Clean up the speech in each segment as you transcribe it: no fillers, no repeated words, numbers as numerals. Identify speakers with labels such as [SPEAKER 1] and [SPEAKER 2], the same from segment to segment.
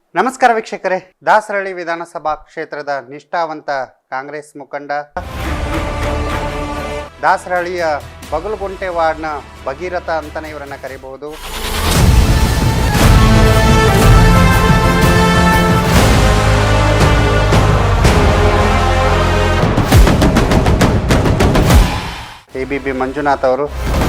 [SPEAKER 1] ನಮಸ್ಕಾರ ವೀಕ್ಷಕರೇ, ದಾಸರಳ್ಳಿ ವಿಧಾನಸಭಾ ಕ್ಷೇತ್ರದ ನಿಷ್ಠಾವಂತ ಕಾಂಗ್ರೆಸ್ ಮುಖಂಡ, ದಾಸರಳ್ಳಿಯ ಬಗಲಗುಂಟೆ ವಾರ್ಡ್ನ ಭಗೀರಥ ಅಂತಲೇ ಇವರನ್ನು ಕರೀಬಹುದು. ABB ಮಂಜುನಾಥ್ ಅವರು.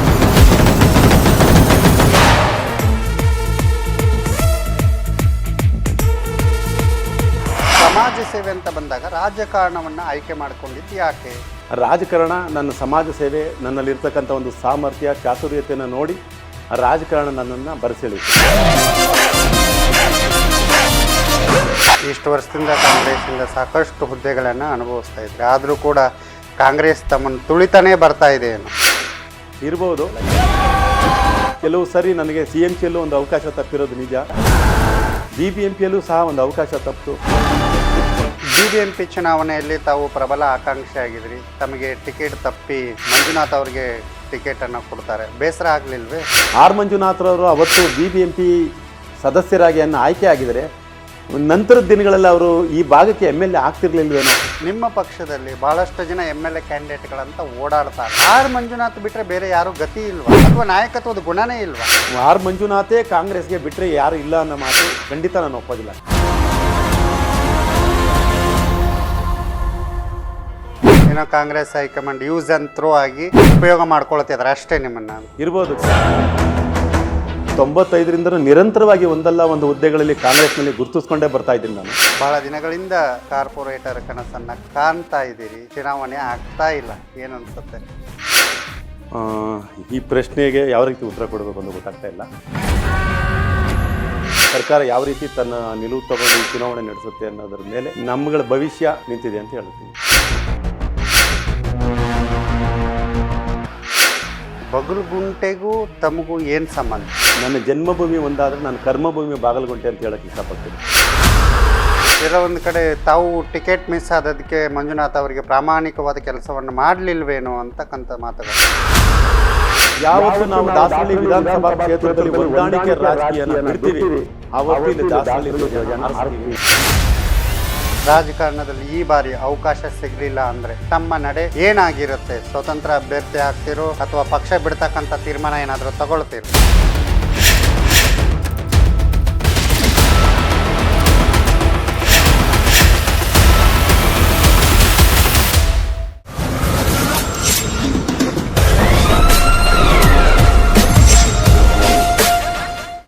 [SPEAKER 1] ಸಮಾಜ ಸೇವೆ ಅಂತ ಬಂದಾಗ ರಾಜಕಾರಣವನ್ನು ಆಯ್ಕೆ ಮಾಡಿಕೊಂಡಿದ್ದು ಯಾಕೆ?
[SPEAKER 2] ರಾಜಕಾರಣ ನನ್ನ ಸಮಾಜ ಸೇವೆ, ನನ್ನಲ್ಲಿರ್ತಕ್ಕಂಥ ಒಂದು ಸಾಮರ್ಥ್ಯ ಚಾತುರ್ಯತೆಯನ್ನು ನೋಡಿ ರಾಜಕಾರಣ ನನ್ನನ್ನು ಬರೆಸೆಳಿತು.
[SPEAKER 1] ಇಷ್ಟು ವರ್ಷದಿಂದ ಕಾಂಗ್ರೆಸ್ಸಿಂದ ಸಾಕಷ್ಟು ಹುದ್ದೆಗಳನ್ನು ಅನುಭವಿಸ್ತಾ ಇದ್ದಾರೆ. ಆದರೂ ಕೂಡ ಕಾಂಗ್ರೆಸ್ ತಮ್ಮನ್ನು ತುಳಿತಾನೇ ಬರ್ತಾ ಇದೆ ಏನು
[SPEAKER 2] ಇರ್ಬೋದು. ಕೆಲವು ಸರಿ ನನಗೆ CMCಯಲ್ಲೂ ಒಂದು ಅವಕಾಶ ತಪ್ಪಿರೋದು ನಿಜ, BBMPಯಲ್ಲೂ ಸಹ ಒಂದು ಅವಕಾಶ ತಪ್ಪಿತು.
[SPEAKER 1] BBMP ಚುನಾವಣೆಯಲ್ಲಿ ತಾವು ಪ್ರಬಲ ಆಕಾಂಕ್ಷಿ ಆಗಿದ್ರಿ, ತಮಗೆ ಟಿಕೆಟ್ ತಪ್ಪಿ ಮಂಜುನಾಥ್ ಅವರಿಗೆ ಟಿಕೆಟನ್ನು ಕೊಡ್ತಾರೆ, ಬೇಸರ ಆಗಲಿಲ್ವೇ?
[SPEAKER 2] ಆರ್ ಮಂಜುನಾಥ್ರವರು ಅವತ್ತು BBMP ಸದಸ್ಯರಾಗಿ ಆಯ್ಕೆ ಆಗಿದ್ದಾರೆ. ನಂತರದ ದಿನಗಳಲ್ಲಿ ಅವರು ಈ ಭಾಗಕ್ಕೆ MLA ಆಗ್ತಿರ್ಲಿಲ್ವೇನೋ.
[SPEAKER 1] ನಿಮ್ಮ ಪಕ್ಷದಲ್ಲಿ ಬಹಳಷ್ಟು ಜನ MLA ಕ್ಯಾಂಡಿಡೇಟ್ಗಳಂತ ಓಡಾಡ್ತಾರೆ. ಆರ್ ಮಂಜುನಾಥ್ ಬಿಟ್ಟರೆ ಬೇರೆ ಯಾರು ಗತಿ ಇಲ್ವಾ, ಅಥವಾ ನಾಯಕತ್ವದ ಗುಣನೇ ಇಲ್ವಾ?
[SPEAKER 2] ಆರ್ ಮಂಜುನಾಥೇ ಕಾಂಗ್ರೆಸ್ಗೆ ಬಿಟ್ಟರೆ ಯಾರು ಇಲ್ಲ ಅನ್ನೋ ಮಾತು ಖಂಡಿತ ನಾನು ಒಪ್ಪೋದಿಲ್ಲ.
[SPEAKER 1] ಏನೋ Congress high command use and throw ಆಗಿ ಉಪಯೋಗ ಮಾಡ್ಕೊಳ್ತಿದ್ದಾರೆ ಅಷ್ಟೇ ನಿಮ್ಮನ್ನ.
[SPEAKER 2] ಇರ್ಬೋದು. 95ರಿಂದ ನಿರಂತರವಾಗಿ ಒಂದಲ್ಲ ಒಂದು ಹುದ್ದೆಗಳಲ್ಲಿ ಕಾಂಗ್ರೆಸ್ನಲ್ಲಿ ಗುರುತಿಸ್ಕೊಂಡೇ ಬರ್ತಾ ಇದ್ದೀನಿ ನಾನು.
[SPEAKER 1] ಬಹಳ ದಿನಗಳಿಂದ ಕಾರ್ಪೊರೇಟರ್ ಕನಸನ್ನ ಕಾಣ್ತಾ ಇದ್ದೀರಿ, ಚುನಾವಣೆ ಆಗ್ತಾ ಇಲ್ಲ, ಏನು ಅನ್ಸುತ್ತೆ?
[SPEAKER 2] ಈ ಪ್ರಶ್ನೆಗೆ ಯಾವ ರೀತಿ ಉತ್ತರ ಕೊಡಬೇಕು ಅಂತ ಗೊತ್ತಾಗ್ತಾ ಇಲ್ಲ. ಸರ್ಕಾರ ಯಾವ ರೀತಿ ತನ್ನ ನಿಲುವು ತಗೊಂಡು ಈ ಚುನಾವಣೆ ನಡೆಸುತ್ತೆ ಅನ್ನೋದ್ರ ಮೇಲೆ ನಮ್ಮಗಳ ಭವಿಷ್ಯ ನಿಂತಿದೆ ಅಂತ ಹೇಳ್ತೀನಿ.
[SPEAKER 1] ಬಗಲಗುಂಟೆಗೂ ತಮಗೂ ಏನು ಸಂಬಂಧ?
[SPEAKER 2] ನನ್ನ ಜನ್ಮಭೂಮಿ ಒಂದಾದರೆ ನನ್ನ ಕರ್ಮಭೂಮಿ ಬಾಗಲಗುಂಟೆ ಅಂತ ಹೇಳಕ್ಕೆ ಇಷ್ಟಪಡ್ತೀನಿ.
[SPEAKER 1] ಎಲ್ಲ ಒಂದು ಕಡೆ ತಾವು ಟಿಕೆಟ್ ಮಿಸ್ ಆದದಕ್ಕೆ ಮಂಜುನಾಥ್ ಅವರಿಗೆ ಪ್ರಾಮಾಣಿಕವಾದ ಕೆಲಸವನ್ನು ಮಾಡಲಿಲ್ವೇನೋ ಅಂತಕ್ಕಂಥ ಮಾತುಗಳು.
[SPEAKER 2] ಯಾವತ್ತು ನಾವು ದಾಸರಳ್ಳಿ ವಿಧಾನಸಭಾ ಕ್ಷೇತ್ರದಲ್ಲಿ ಹೊಂದಾಣಿಕೆ ರಾಜಕೀಯನ ಬಿಡ್ತೀವಿ, ಆವತ್ತು ಇಲ್ಲಿ ದಾಸರಳ್ಳಿ
[SPEAKER 1] ರಾಜಕಾರಣದಲ್ಲಿ ಈ ಬಾರಿ ಅವಕಾಶ ಸಿಗಲಿಲ್ಲ ಅಂದರೆ ತಮ್ಮ ನಡೆ ಏನಾಗಿರುತ್ತೆ? ಸ್ವತಂತ್ರ ಅಭ್ಯರ್ಥಿ ಆಗ್ತಿರೋ ಅಥವಾ ಪಕ್ಷ ಬಿಡ್ತಕ್ಕಂಥ ತೀರ್ಮಾನ ಏನಾದರೂ ತಗೊಳ್ತೀರೋ?